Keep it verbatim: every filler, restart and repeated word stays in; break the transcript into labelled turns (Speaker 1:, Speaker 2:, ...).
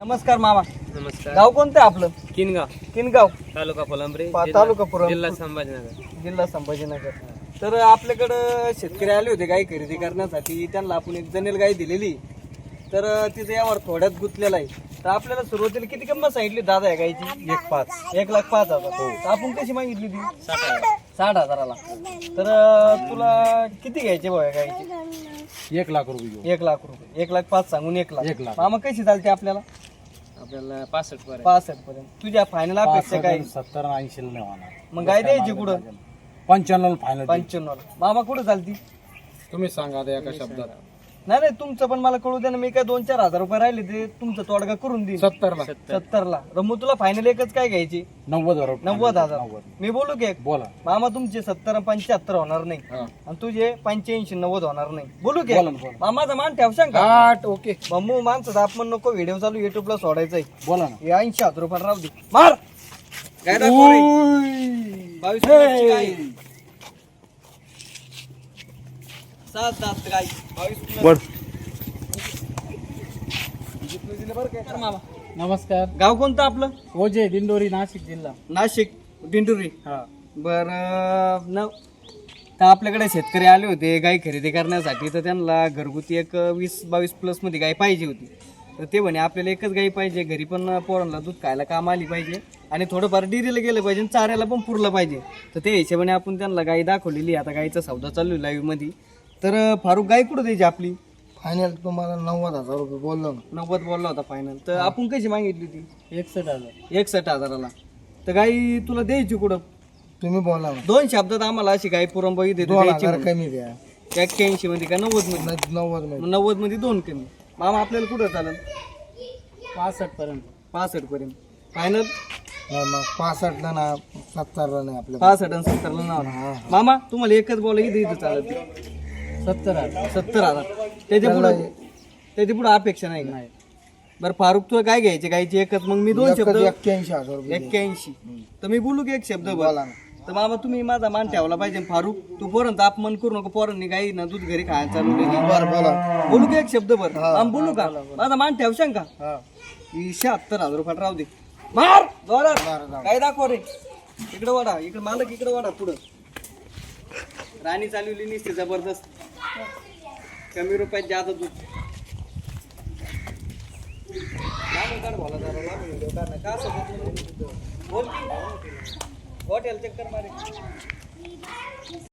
Speaker 1: नमस्कार मामा.
Speaker 2: नमस्कार.
Speaker 1: गाव कोणतं आहे आपलं?
Speaker 2: किनगाव,
Speaker 1: किनगाव,
Speaker 2: तालुका फुलंब्री,
Speaker 1: पा-
Speaker 2: जिल्हा-
Speaker 1: तालुका फुलंब्री.
Speaker 2: जिल्हा संभाजीनगर.
Speaker 1: जिल्हा संभाजीनगर. तर आपल्याकडं शेतकरी आले होते गाय खरेदी करण्यासाठी. त्यांना आपण एक जनेल गाय दिलेली, तर तिथे यावर थोड्यात गुंतलेला आहे. तर आपल्याला सुरुवातीला किती किंमत सांगितली दादा या गायची? एक पाच एक लाख पाच हजार. तर आपण कशी मागितली ती?
Speaker 2: साठ हजार.
Speaker 1: साठ हजाराला. तर तुला किती घ्यायचे भाऊ या गायचे?
Speaker 3: एक लाख रुपये घेऊ.
Speaker 1: एक लाख रुपये. एक लाख पाच सांगून एक लाख.
Speaker 3: एक लाख.
Speaker 1: मामा कशी चालते आपल्याला?
Speaker 2: आपल्याला पासष्ट पर्यंत.
Speaker 1: पासष्ट पर्यंत. तुझ्या फायनल अपेक्षा काय?
Speaker 3: सत्तर ऐंशी नाही होणार.
Speaker 1: मग गाय द्यायची कुठं?
Speaker 3: पंच्याण्णव फायनल.
Speaker 1: पंच्याण्णव. मामा कुठं चालती?
Speaker 3: तुम्ही सांगा आता एका शब्दात.
Speaker 1: नाही नाही, तुमचं पण मला कळू द्या ना. मी काय दोन चार हजार रुपये राहिले ते तुमचं तोडगा करून देईन.
Speaker 3: सत्तर ला.
Speaker 1: सत्तर ला. रमू तुला फायनल एकच काय घ्यायची?
Speaker 3: नव्वद हजार.
Speaker 1: नव्वद हजार. मी बोलू की एक?
Speaker 3: बोला.
Speaker 1: मामा तुमचे सत्तर पंच्याहत्तर होणार नाही,
Speaker 3: हा.
Speaker 1: आणि तुझे पंच्याऐंशी नव्वद होणार नाही. बोलू की?
Speaker 3: बोला ना, बोला.
Speaker 1: मामाचा मान ठेवशान का?
Speaker 3: आठ ओके.
Speaker 1: मम्मू माणसं आपण नको व्हिडिओ चालू युट्यूबला सोडायचंय.
Speaker 3: बोला ना.
Speaker 1: हे ऐंशी हजार रुपये राहू दे. मार काय दाखव रे? बावीस किलोची गाय. सात दात गाय. बावीस किलो. बरं काय कर मामा.
Speaker 3: नमस्कार.
Speaker 1: गाव कोणतं आपलं?
Speaker 3: ओजे दिंडोरी नाशिक जिल्हा.
Speaker 1: नाशिक दिंडुरी.
Speaker 3: हा.
Speaker 1: बर न तर आपल्याकडे शेतकरी आले होते गाय खरेदी करण्यासाठी. तर त्यांना घरगुती एक वीस बावीस प्लस मध्ये गाय पाहिजे होती. तर ते म्हणे आपल्याला एकच गाय पाहिजे, घरी पण पोरांना दूध खायला काम आली पाहिजे आणि थोडंफार डेअरीला गेलं पाहिजे, चाऱ्याला पण पुरलं पाहिजे. तर त्या हिशोबाने आपण त्यांना गाय दाखवलेली. आता गायचा सौदा चालू आहे लाईव्ह मध्ये. तर फारुख गाय कुठं द्यायची आपली?
Speaker 4: फायनल तुम्हाला नव्वद हजार रुपये बोललो ना.
Speaker 1: नव्वद बोलला होता फायनल. तर आपण कशी मागितली ती?
Speaker 3: एकसष्ट हजार.
Speaker 1: एकसष्ट हजाराला. तर गाई तुला द्यायची कुठं?
Speaker 4: तुम्ही बोला ना.
Speaker 1: दोन शब्दात आम्हाला अशी गाय पुरंबाई देते
Speaker 4: दोन
Speaker 1: द्यायची
Speaker 4: हजार
Speaker 1: म्हणून.
Speaker 4: कमी द्या.
Speaker 1: एक्क्याऐंशी मध्ये का नव्वद मध्ये?
Speaker 4: न- नव्वद मध्ये.
Speaker 1: नव्वद मध्ये दोन कमी. मामा आपल्याला कुठं चालेल?
Speaker 3: पासष्ट पर्यंत.
Speaker 1: पासष्ट पर्यंत फायनल.
Speaker 4: नाही मग पासष्ट ला ना सत्तरला नाही आपल्या.
Speaker 1: पासष्ट आणि सत्तरला नाव. मामा तुम्हाला एकच बोला इथे इथं चालत.
Speaker 3: सत्तर हजार.
Speaker 1: सत्तर हजार. त्याच्या पुढे त्याच्या पुढे अपेक्षा नाही का? बरं फारुख तुला काय घ्यायचे गायची? एकच. मग मी दोन शब्द.
Speaker 4: एक्क्याऐंशी हजार रुपये द्या.
Speaker 1: एक्क्याऐंशी. तर मी बोलू की एक शब्द बोल?
Speaker 4: बोला ना.
Speaker 1: तर मामा तुम्ही माझा मान ठेवला पाहिजे. फारुख तू पोरांचा अपमान करू नको. पोरांनी गाई ना दूध घरी खायला चालू केली.
Speaker 4: बरं बोला.
Speaker 1: बोलू की एक शब्द बर? आम बोलू का? माझा मान ठेवशान का?
Speaker 4: हा.
Speaker 1: ही शहात्तर हजार रुपयात राहू दे. मार जोरात.
Speaker 4: बरं, जाऊ.
Speaker 1: काय दाखव रे? इकडे वाडा. इकडे मालक इकडे वाडा. पुढं राणी चालवली निसते जबरदस्त. कमी रुपयात जात दूध. लांबून काढ बोला जरा, लांबून व्हिडिओ काढ ना. का असं बोलतो? बोल की. हॉटेल चक्कर मारे.